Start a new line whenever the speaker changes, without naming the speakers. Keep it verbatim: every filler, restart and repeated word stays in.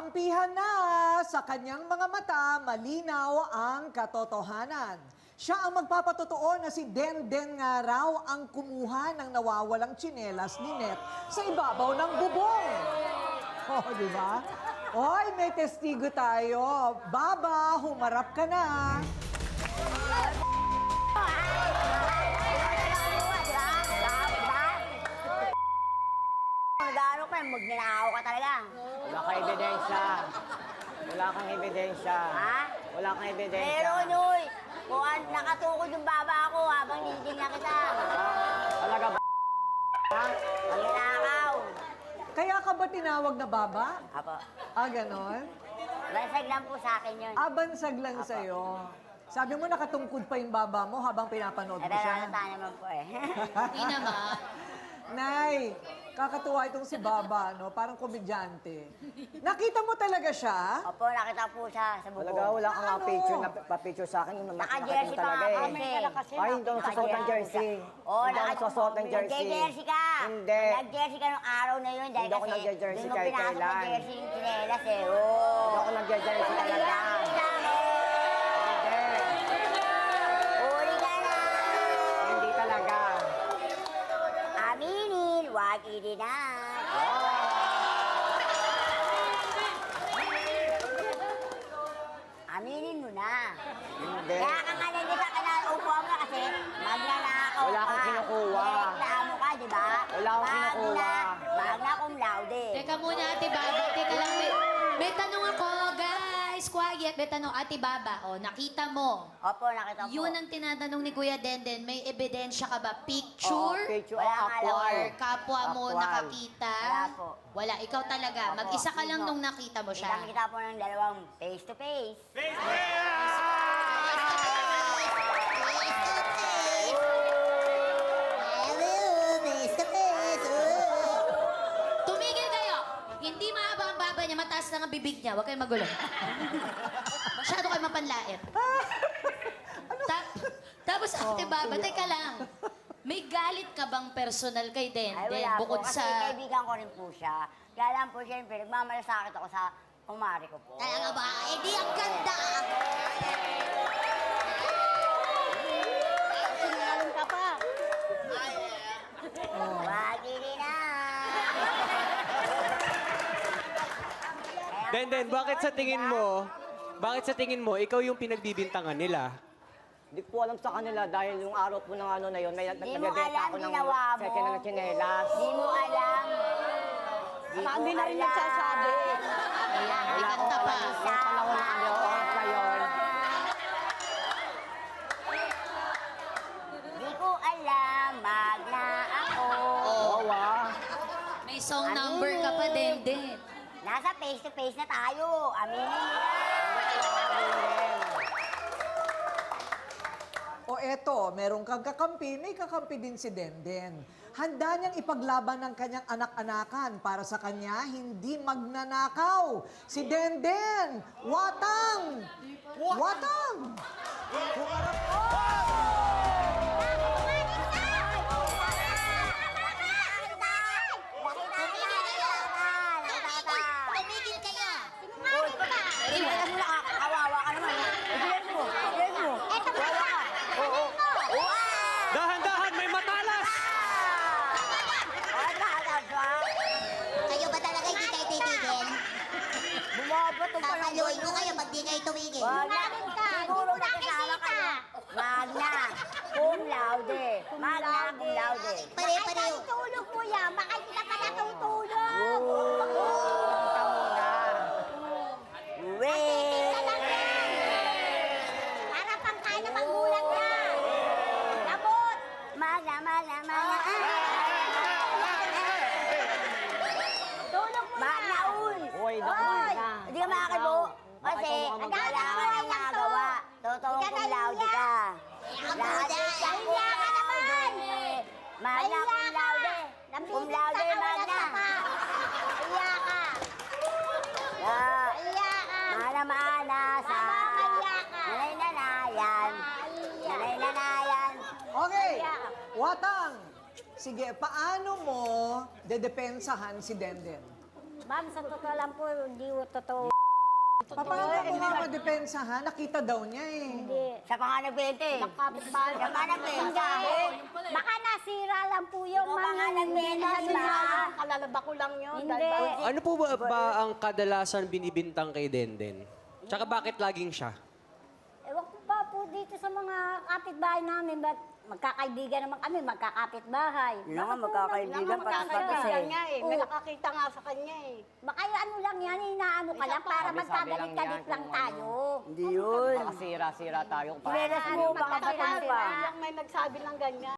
Kampihan na sa kanyang mga mata, malinaw ang katotohanan. Siya ang magpapatotoo na si Denden nga raw ang kumuha ng nawawalang tsinelas ni Net sa ibabaw ng bubong. Oh, di ba? Oy, may testigo tayo. Baba, humarap ka na.
Gano'n ka, magnanakaw ka talaga.
Wala kang ebidensya. Wala kang ebidensya.
Ha?
Wala kang ebidensya.
Meron, Uy. Kung an- nakatukod yung baba ako habang nilitingnan kita.
Talaga ba? Ha?
Magnanakaw.
Kaya ka ba tinawag na baba?
Apo.
Ah, ganon?
Basag lang po sa akin yun.
Abansag lang sa'yo. Sabi mo nakatungkod pa yung baba mo habang pinapanood
Eh,
mo
pero
siya.
halata naman po eh.
Hindi naman.
Nay, kakatuwa itong si Baba, no? Parang komedyante. Nakita mo talaga siya?
Opo, nakita po siya sa bubong.
Talaga wala kang nga
Ano?
picture na pa-picture sa akin. Yung
Naka-jersey pa
talaga
nga
eh.
kasi.
Ay, hindi ako nagsusuot ng jersey.
Oo,
Hindi ako nagsusuot ng jersey.
Nag-jersey ka.
Hindi.
Nag-jersey ka nung araw na yun. Dahil
Hindi ako
kasi
nag-jersey
doon mo
kahit
pinasok
kailan.
ng jersey yung chinelas eh. Oo.
Hindi ako nag-jersey talaga. Hindi.
Uli ka na.
Hindi talaga.
Aminin, wag idinan. Aminin mo na.
Hindi.
Kaya ka nga nandito ka na upo mo kasi magnanakaw
Wala
ka.
akong kinukuha.
Nireklamo ka, di ba?
Wala akong kinukuha.
Magna, magna cum laude.
Teka muna, Ate Baba. Teka lang, may, may tanong ako, guys. Quiet. May tanong, Ate Baba. O, nakita mo.
Opo, nakita po.
Yun ang tinatanong ni Kuya Denden. May ebidensya ka ba? Picture?
Oh, picture.
Wala nga lang.
Or
Actual.
kapwa mo
Actual.
nakakita?
Wala po.
Wala. Ikaw talaga.
Opo.
Mag-isa ka lang
Mismo.
nung nakita mo siya.
Kita-kita po ng dalawang face to face.
Tumigil kayo! Hindi mahaba ang baba niya, mataas lang ang bibig niya. Huwag kayong magulo. Masyado kayo mapanlait. Ta- tapos, Ate Baba, teka lang. May galit ka bang personal kay
Ay,
Denden?
wala po.
Bukod
Kasi
sa...
kaibigan ko rin po siya. Kaya lang po, siyempre, nagmamalasakit ako sa kumari ko po.
Talaga ba? Eh di ang ganda!
Sinungaling ka pa. Wag idinan.
Denden, bakit sa tingin mo, bakit sa tingin mo, ikaw yung pinagbibintangan nila?
Hindi ko alam sa kanila dahil yung araw po ng ano na yun, may
Di mo
nagbebenta
alam,
ako ng
ginawa mo.
second na tsinelas.
Di mo alam. Di mo
Sabi na rin
alam.
nagsasabi.
Wala
May kanta pa.
Yung panahon na ano, oras na yun.
Di ko alam, magna ako.
Oo, ah.
May song number ka pa, Denden.
Nasa face to face na tayo. Aminin mo yan.
O eto, merong kang kakampi, may kakampi din si Denden. Handa niyang ipaglaban ng kanyang anak-anakan para sa kanya hindi magnanakaw. Si Denden! Watang! Watang! Humarap
Tumigil kayo! Sinungaling ka! Sinungaling mo na, kawawa ka naman. Ibilis mo, ibilis mo. Eto mo ka! Oo, oo.
Dahan-dahan, may matalas!
Kayo ba talaga hindi kayo titigil?
Bumabato pa ng
Papaluin ko kayo pag di kayo tumigil.
Wag na. Siguro nakasama kayo. Magna. Cum laude. Magna cum laude.
Pare-pareho.
Tulog mo yan. Baka hindi ka pa natutulog.
Punta muna.
Wait.
Para pang kaya ng magulang niya.
Labot. Magna, magna, magna. Tulog mo yan. Magna, un.
Uy, naku, magna.
Hindi ka makakibo. Kasi,
Bakit
ang
ako
dami
magana?
mo lang nagawa. Totoo cum laude ka. Laude ka.
Kaya ka naman.
Magna cum laude. Cum laude, magna.
Kaya ka.
Ah,
Kaya ka.
mana-mana sa
Mamamaya ka.
nanay-nanayan. Nanay-nanayan.
Okay, Watang! Sige, paano mo dedepensahan si Denden?
Ma'am, sa totoo lang po, hindi po totoo.
Paano mo nga madepensahan? Nakita daw niya eh.
Hindi.
Siya pa nga nagbente.
Nakapitbahay.
Siya pa nagbenta.
Hindi. Baka nasira lang po yung
Ikaw pa nga
mga
nagbenta,
ano
di ba?
niya.
Kalalaba ko lang yun.
Hindi.
Ano po ba, ba ang kadalasan binibintang kay Denden? Tsaka bakit laging siya?
Ewan ko pa po dito sa mga kapitbahay namin, ba't magkakaibigan naman kami, magkakapitbahay.
Yun nga, magkakaibigan, patas-patas
Kaya
eh.
nga eh. May nakakita nga sa kanya eh.
Baka yung ano lang yan, inaano ka lang para
Sabi-sabi lang
magkagalit-galit
yan
lang
kung
tayo.
Hindi yun.
Baka sira-sira tayo.
Chinelas mo, baka
Kaya
batin pa.
lang may nagsabi ng ganyan.